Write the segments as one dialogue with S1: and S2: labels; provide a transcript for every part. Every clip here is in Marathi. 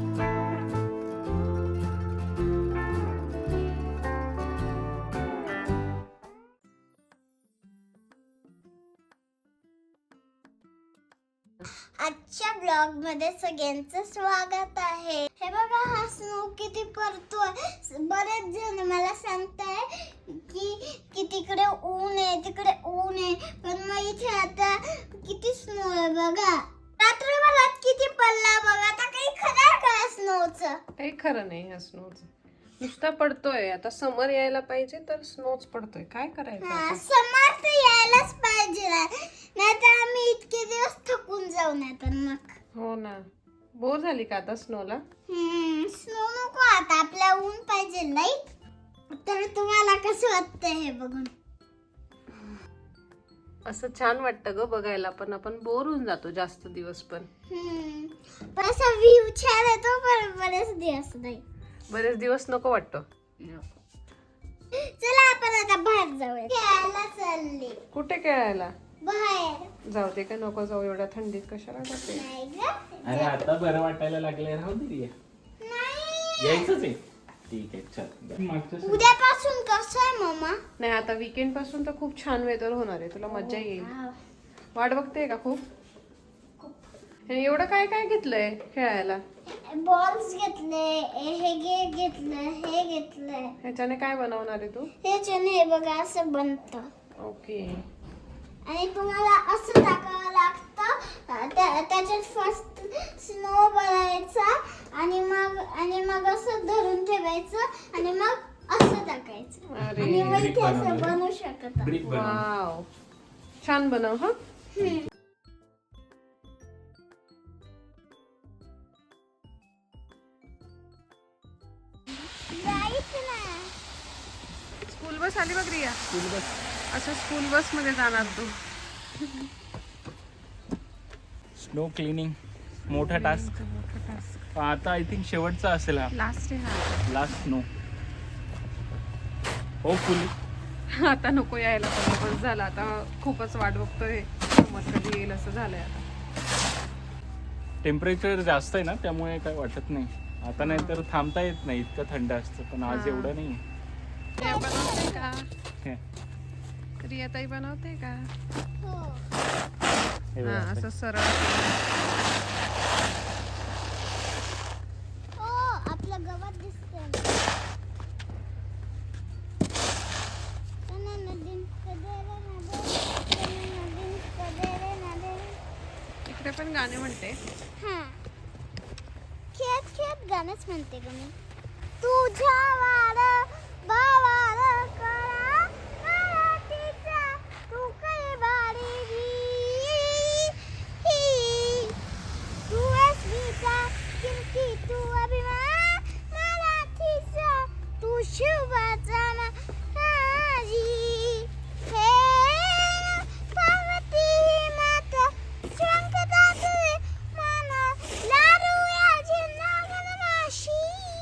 S1: आजच्या ब्लॉग मध्ये सगळ्यांचं स्वागत आहे. हे बघा हा स्नो किती पडतोय. बरेच जण मला सांगताय की तिकडे ऊन आहे तिकडे ऊन आहे, पण मग इथे आता किती स्नो आहे बघा. रात्रभरात किती पडला बघा. आता काही खरं का स्नोचं?
S2: काही खरं नाही ह्या स्नोचं. नुसता पडतोय. आता समर यायला पाहिजे तर स्नोच पडतोय. काय करायचं आता?
S1: समर तर यायलाच पाहिजे, नाही तर आम्ही इतके दिवस थकून जाऊ. नाही तर मग
S2: हो ना. बोर झाली का आता स्नोला?
S1: स्नो नको आता, आपल्या ऊन पाहिजे लाईट. तर तुम्हाला कसं वाटतंय हे बघून?
S2: असं छान वाटतं ग बघायला, पण आपण बोर होऊन जातो जास्त दिवस. पण
S1: असा व्ह्यू छान येतो पण बरेच दिवस नाही.
S2: बरेच दिवस नको वाटतं.
S1: चला आपण आता बाहेर जाऊया. खेळायला चालले.
S2: कुठे खेळायला?
S1: बाहेर.
S2: जाऊ दे का नको जाऊ? एवढ्या थंडीत कशाला जाते?
S1: नाही ग.
S3: अरे आता बरं वाटायला लागलंय, राहू दे रिया.
S1: नाही.
S3: यायचंच आहे. ठीक आहे चल. मागच्या
S1: उद्यापासून कसं आहे मम्मा?
S2: नाही आता वीकेंड पासून तर खूप छान वेदर होणार आहे. तुला मज्जा येईल. वाट बघते का खूप? हे एवढं काय काय घेतलंय खेळायला?
S1: बॉल्स घेतले, हे घेतलं, हे घेतलंय.
S2: ह्याच्याने काय बनवणार आहे तू?
S1: ह्याच्याने हे बघा असं बनतं.
S2: ओके.
S1: आणि तुम्हाला असं टाकावं लागतं. त्याच्यात फर्स्ट स्नो बनायचा आणि मग असं धरून ठेवायचं आणि मग असं टाकायचं.
S2: अरे
S1: आणि मग
S3: brick
S1: इथे असं
S3: बनवलंय.
S1: बनवू शकत.
S3: ब्रिक बनव.
S2: वाव, छान बनव. हा स्कूल बस आली बघ रिया. असं स्कूल बस मध्ये जाणार तू?
S3: स्नो क्लिनिंग मोठा टास्क. आता आय थिंक शेवटचा असेल हा.
S2: लास्ट आहे हा.
S3: Last snow. होपफुली.
S2: आता नको यायला, पण बस झाला. आता खूपच वाट बघतोय समर कधी येईल असं झालंय आता.
S3: टेम्परेचर जास्त आहे ना, त्यामुळे काय वाटत नाही. आता नाही तर थांबता येत नाही, इतकं थंड असतं. पण आज एवढं नाही.
S2: रिया बनवते का?
S3: हे
S2: रिया ताई बनवते का?
S3: हे
S2: हा
S3: बघा.
S2: असं सरळ.
S1: आपलं गवत दिसतंय.
S2: इकडे पण गाणे म्हणते.
S1: खेळत खेळत गाणंच म्हणते ग मी. तुझ्या वार भावार करा मराठीचा तू काही बारी तू अस्मिता किमती तू अभिमान मराठीचा तू शुभाचा माझी हे पार्वती माता शंकरा तुझे माना लाडू या झिंदागन माशी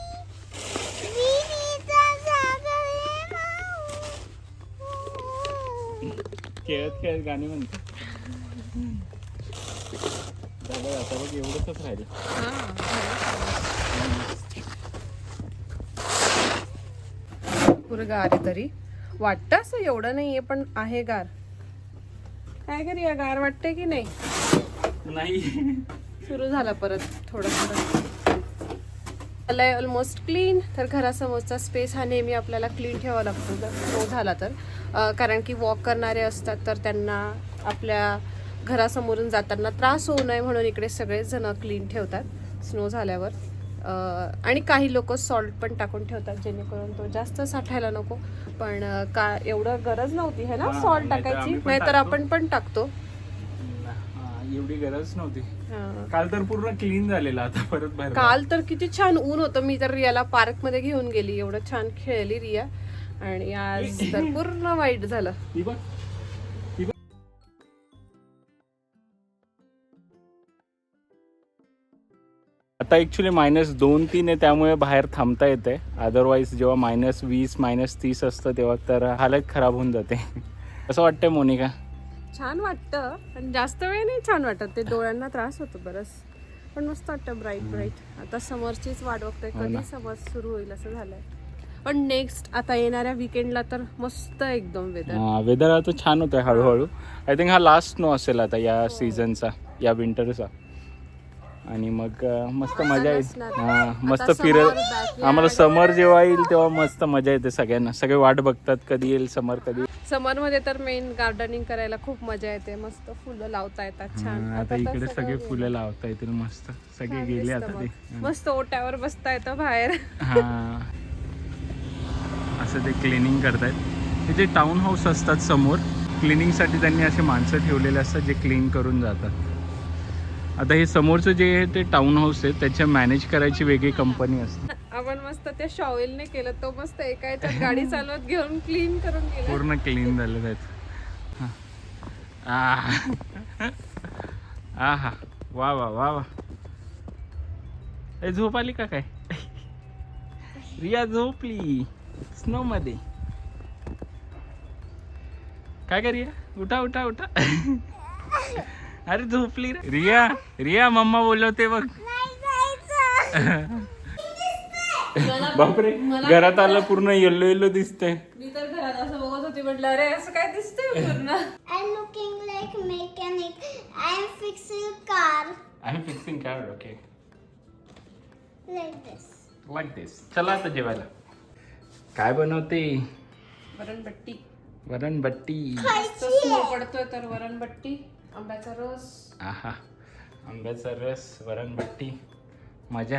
S1: विनीता जागरे माऊ.
S3: खेळत खेळत गाणी म्हणते. झालं आता बघ, एवढंच राहिलं.
S2: पुरं गार आहे तरी वाटतं. असं एवढं नाहीये पण आहे गार. काय करी या गार वाटते की नाही?
S3: नाही.
S2: सुरू झाला परत थोडं थोडं. झालंय ऑलमोस्ट क्लीन. तर घरासमोरचा स्पेस हा नेहमी आपल्याला क्लीन ठेवावा लागतो जर स्नो झाला तर. कारण की वॉक करणारे असतात तर त्यांना आपल्या घरासमोरून जाताना त्रास होऊ नये म्हणून इकडे सगळेच जण क्लीन ठेवतात स्नो झाल्यावर. आणि काही लोक सॉल्ट पण टाकून ठेवतात जेणेकरून तो जास्त साठायला नको. पण का एवढं गरज नव्हती है ना सॉल्ट टाकायची, नाहीतर आपण पण टाकतो.
S3: एवढी गरज नव्हती.
S2: हा.
S3: काल तर पूर्ण क्लीन झालेला, आता परत बाहेर.
S2: काल तर किती छान ऊन होतं. मी तर रियाला पार्क मध्ये घेऊन गेली, एवढं छान खेळली रिया. आणि आज तर पूर्ण वाईट झालं.
S3: ती बघ. आता ऍक्च्युली -2-3 आहे, त्यामुळे बाहेर थांबता येते. अदरवाईज जेव्हा -20 -30 असतं तेव्हा तर हालत खराब होऊन जाते. असं वाटतंय मोनिका?
S2: छान वाटतं पण जास्त वेळ नाही छान वाटत. ते डोळ्यांना त्रास होतो बरंच. पण मस्त वाटतं ब्राईट ब्राईट. आता समरचीच वाट बघतोय
S3: हो ना.
S2: कधी समर सुरू होईल असं झालंय. पण नेक्स्ट आता येणाऱ्या विकेंडला तर मस्त एकदम वेदर.
S3: वेदर आता छान होतंय हळूहळू. आय थिंक हा लास्ट स्नो असेल आता या सीझनचा, या विंटरचा. आणि मग मस्त मजा येईल.
S2: नसणार.
S3: मस्त
S2: आता
S3: फिरत
S2: summer, backyard.
S3: आम्हाला समर जेव्हा येईल तेव्हा मस्त मजा येते सगळ्यांना. सगळे वाट बघतात कधी येईल समर, कधी.
S2: समर मध्ये तर मेन गार्डनिंग करायला खूप मजा येते. मस्त फुलं लावता येतात छान.
S3: आता
S2: तर
S3: इकडे
S2: सगळं
S3: सगळे
S2: गेलं.
S3: फुलं लावता येतील मस्त. सगळे
S2: छान
S3: गेले
S2: दिसतं
S3: आता
S2: मग.
S3: ते.
S2: मस्त ओट्यावर बसता येतं बाहेर.
S3: हा असं ते क्लिनिंग करतायत. हे जे टाउन हाऊस असतात समोर, क्लिनिंगसाठी त्यांनी असे माणसं ठेवलेले असतात जे क्लीन करून जातात. आता हे समोरचं जे आहे ते टाउन हाऊस आहे, त्याच्या मॅनेज करायची वेगळी कंपनी असते.
S2: आपण मस्त त्या शॉवेलने केलं. तो मस्त एका याच्यात गाडी चालवत घेऊन क्लीन करून गेला.
S3: पूर्ण क्लीन झालं त्याचं. हा वा वा वा वा. झोप आली का काय? रिया झोपली स्नो मध्ये. काय कर रिया? उठा उठा उठा. अरे झोपली रे. रिया रिया मम्मा बोलवते बघ. बापरे, घरात आलं पूर्ण येल्लो येल्लो दिसतंय.
S2: मी तर घरात असं बघत होती, म्हटलं अरे असं काय दिसतंय पूर्ण.
S1: I'm looking like mechanic. I'm fixing car
S3: I am fixing car. Okay,
S1: like this.
S3: Like this. चला आता जेवायला. काय बनवते?
S2: वरणबट्टी.
S3: वरणबट्टी.
S2: स्नो पडतोय तर वरणबट्टी, आंब्याचा रस.
S3: आहा, आंब्याचा रस, वरणबट्टी, मजा.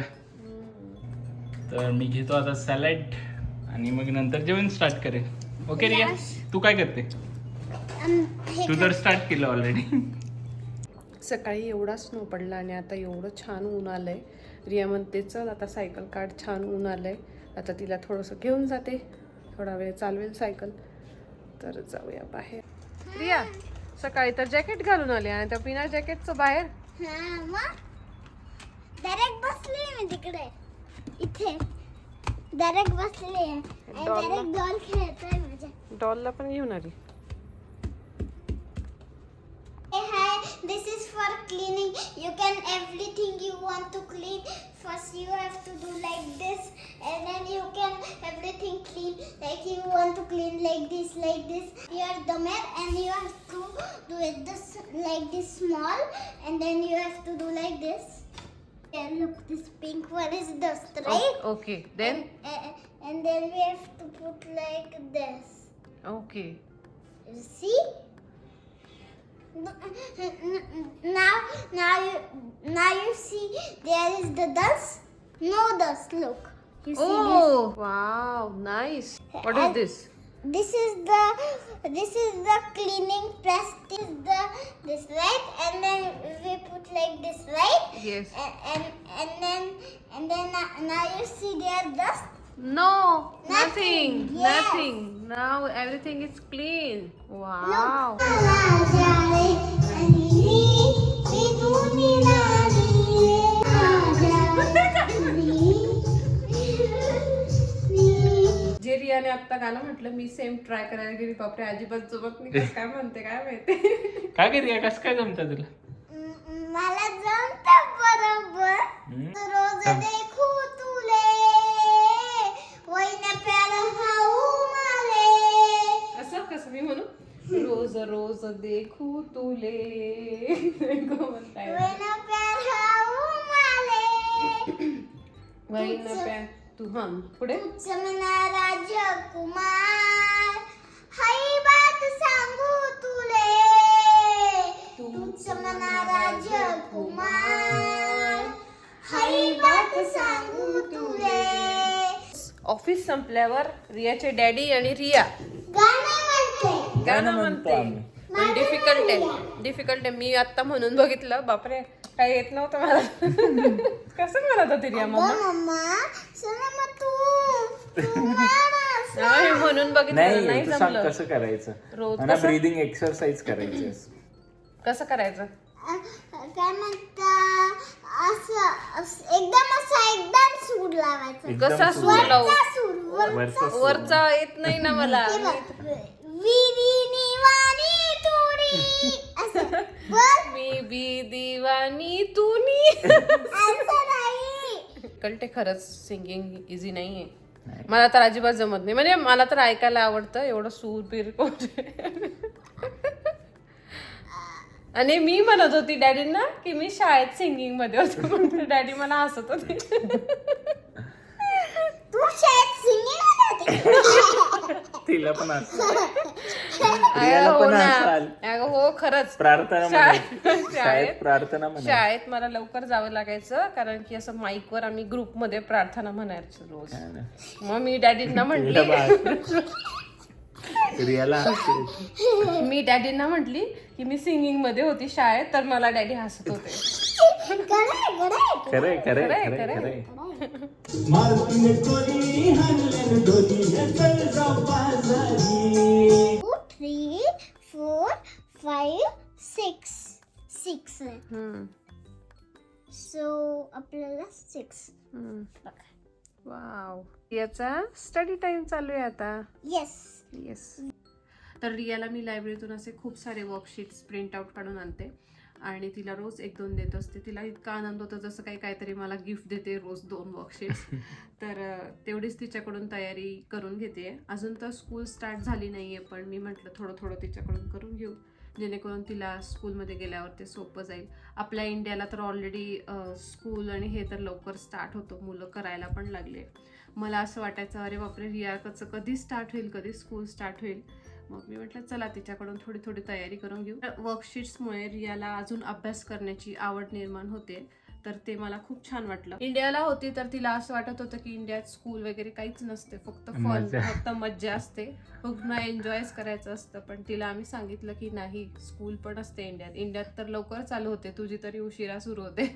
S3: तर मी घेतो आता सॅलड आणि मग नंतर जेवण स्टार्ट करेन. ओके रिया, तू काय करते? तू तर स्टार्ट केलं ऑलरेडी.
S2: सकाळी एवढा स्नो पडला आणि आता एवढं छान ऊन आलंय. रिया म्हणते चल आता सायकल काढ, छान ऊन आलंय. आता तिला थोडंसं घेऊन जाते, थोडा वेळ चालवेल सायकल. तर जाऊया बाहेर. रिया सकाळी तर जॅकेट घालून आले आणि त्या बिना जॅकेटचं बाहेर.
S1: हा मग डायरेक्ट बसली मी तिकडे, इथे डायरेक्ट बसली आहे. डायरेक्ट डॉल खेळतोय माझ्या.
S2: डॉलला पण घेऊन आली.
S1: Hey, hi, this is for cleaning. You can everything you want to clean. First you have to do like this, and then you can everything clean. Like you want to clean like this, Your domer, and you have to do it this like this small, and then you have to do like this. And look, this pink one is dust, right?
S2: Okay then.
S1: And then we have to put like this.
S2: Okay.
S1: You see? Now you see there is the dust. No dust. Look. You see
S2: Oh wow, nice. What is this?
S1: this? This is the cleaning press. This right, and then we put like this, right?
S2: Yes.
S1: And then now you see there dust.
S2: No, nothing.
S1: Yes.
S2: Nothing. Now everything is clean. Wow. जे रियाने आता गाणं म्हटलं मी सेम ट्राय करायला गेली. बापरे अजिबात जमत नाही. काय म्हणते काय माहिती.
S3: काय कर रिया, कसं काय जमतं तुला?
S1: मला जमतं बरोबर. रोज देखू तुले वैन प्यार हाऊ माले.
S2: असं कसं मी म्हणू? रोज रोज देखू तुले. म्हणताय
S1: वैन प्यार हाऊ माले.
S2: वैन प्या तू हम पुढे.
S1: तुझ मना राजकुमार हाई बात सांगू तुले. तुझ मना राजकुमार हाई बात सांगू तुले.
S2: ऑफिस संपल्यावर रियाचे डॅडी आणि रिया गाणं म्हणते. पण डिफिकल्ट आहे. मी आता म्हणून बघितलं, बापरे काय येत नव्हतं मला. कसं म्हणत होती रिया मम्मा?
S1: मम्मा चला मग तू म्हण.
S2: म्हणून बघितलं नाही
S3: तू सांग
S2: जमलं.
S3: कसं करायचं.
S2: रोज
S3: मला
S2: कसं?
S3: ब्रीदिंग एक्सरसाइज करायची.
S2: कसं करायचं?
S1: काय म्हणता एकदम सूर लावायचा.
S2: कसा सूर लावू?
S3: वरचा सूर.
S2: वरचा येत नाही ना मला.
S1: विहिरी निवारी तुरी असं.
S2: मी बी दिवानी तूनी.
S1: असं नाही.
S2: कळते खरंच सिंगिंग इझी नाहीये. मला तर अजिबात जमत नाही. म्हणजे मला तर ऐकायला आवडतं एवढं सूर बीर कोण. आणि मी म्हणत होती डॅडींना की मी शाळेत सिंगिंग मध्ये होतो. डॅडी मला हसत होते.
S1: तू शाळेत सिंगिंग
S3: तिला पण असं
S2: हो ना. अगं हो खरंच.
S3: प्रार्थना
S2: शाळेत
S3: शाळेत प्रार्थना
S2: शाळेत मला लवकर जावं लागायचं कारण की असं माईकवर आम्ही ग्रुपमध्ये प्रार्थना म्हणायचो रोज. मग मी डॅडींना म्हटली मी डॅडींना म्हटली की मी सिंगिंग मध्ये होती शाळेत तर मला डॅडी हसत होते.
S3: खरंय खरंय
S2: खरंय,
S3: खरंय
S2: खरंय.
S3: खरंय.
S1: टू 3 4 5 6 6
S2: हम्म,
S1: सो आपल्याला 6
S2: हम्म. वाव. याचा स्टडी टाइम चालू आहे आता.
S1: येस.
S2: येस. तर रियाला मी लायब्ररीतून असे खूप सारे वर्कशीट्स प्रिंट आउट काढून आणते आणि तिला रोज 1-2 देत असते. तिला इतका आनंद होतो जसं काही काहीतरी मला गिफ्ट देते रोज 2 वर्कशीट्स. तर तेवढीच तिच्याकडून तयारी करून घेते. अजून तर स्कूल स्टार्ट झाली नाहीये पण मी म्हटलं थोडं थोडं तिच्याकडून करून घेऊ जेणेकरून तिला स्कूलमध्ये गेल्यावर ते सोपं जाईल. आपल्या इंडियाला तर ऑलरेडी स्कूल आणि हे तर लवकर स्टार्ट होतो. मुलं करायला पण लागले. मला असं वाटायचं अरे बापरे रियाचं कधी स्टार्ट होईल कधी स्कूल स्टार्ट होईल. मग मी म्हटलं चला तिच्याकडून थोडी थोडी तयारी करून घेऊ. वर्कशीट्समुळे रियाला अजून अभ्यास करण्याची आवड निर्माण होते. तर ते मला खूप छान वाटलं. इंडियाला होती तर तिला असं वाटत होतं की इंडियात स्कूल वगैरे काहीच नसते फक्त फन फक्त मज्जा असते पूर्ण एन्जॉयच करायचं असतं. पण तिला आम्ही सांगितलं की नाही स्कूल पण असते इंडियात. इंडियात तर लवकर चालू होते तुझी तरी उशिरा सुरू होते.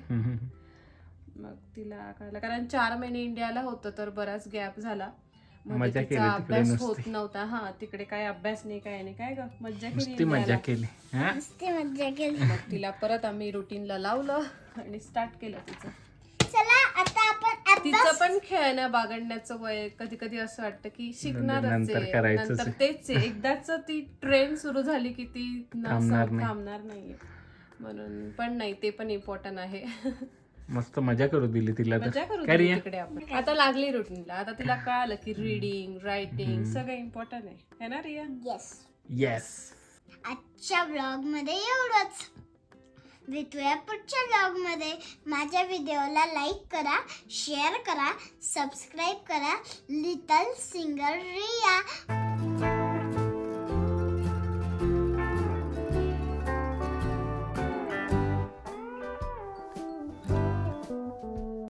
S2: मग तिला कळलं कारण 4 महिने इंडियाला होतं तर बराच गॅप झाला.
S3: मजा केली
S2: तिचा
S3: तिकडे
S2: अभ्यास
S3: नुसती.
S2: होत नव्हता. हा तिकडे काय अभ्यास नाही काय नाही काय ग मज्जा केली
S3: नुसती मजा
S2: इंडियाला.
S3: केली हा?
S1: मस्ती मज्जा केली.
S2: मग तिला परत आम्ही रुटीनला लावलं आणि स्टार्ट केलं तिचं.
S1: चला आता आपण
S2: तिचं पण खेळण्या बागडण्याचं वय कधी कधी असं वाटतं की शिकणारच
S3: नंतर
S2: आहे
S3: करायचंच
S2: नंतर
S3: आहे.
S2: तेच आहे. एकदाच ती ट्रेन सुरू झाली की ती
S3: थांबणार नाही.
S2: थांबणार नाहीये. म्हणून पण नाही ते पण इम्पॉर्टंट आहे.
S3: मस्त मजा करू दिली तिला
S2: मजा
S3: तर
S2: करू
S3: काय
S2: दे
S3: रिया?
S2: तिकडे आपण. आता लागली रुटीनला. आता तिला कळालं की रीडिंग रायटिंग सगळं इम्पॉर्टंट आहे ना रिया.
S1: येस.
S3: येस.
S1: आजच्या ब्लॉग मध्ये एवढंच. भेटूया पुढच्या ब्लॉग मध्ये. माझ्या व्हिडिओला लाईक करा, शेअर करा, सबस्क्राईब करा. Little singer Riya.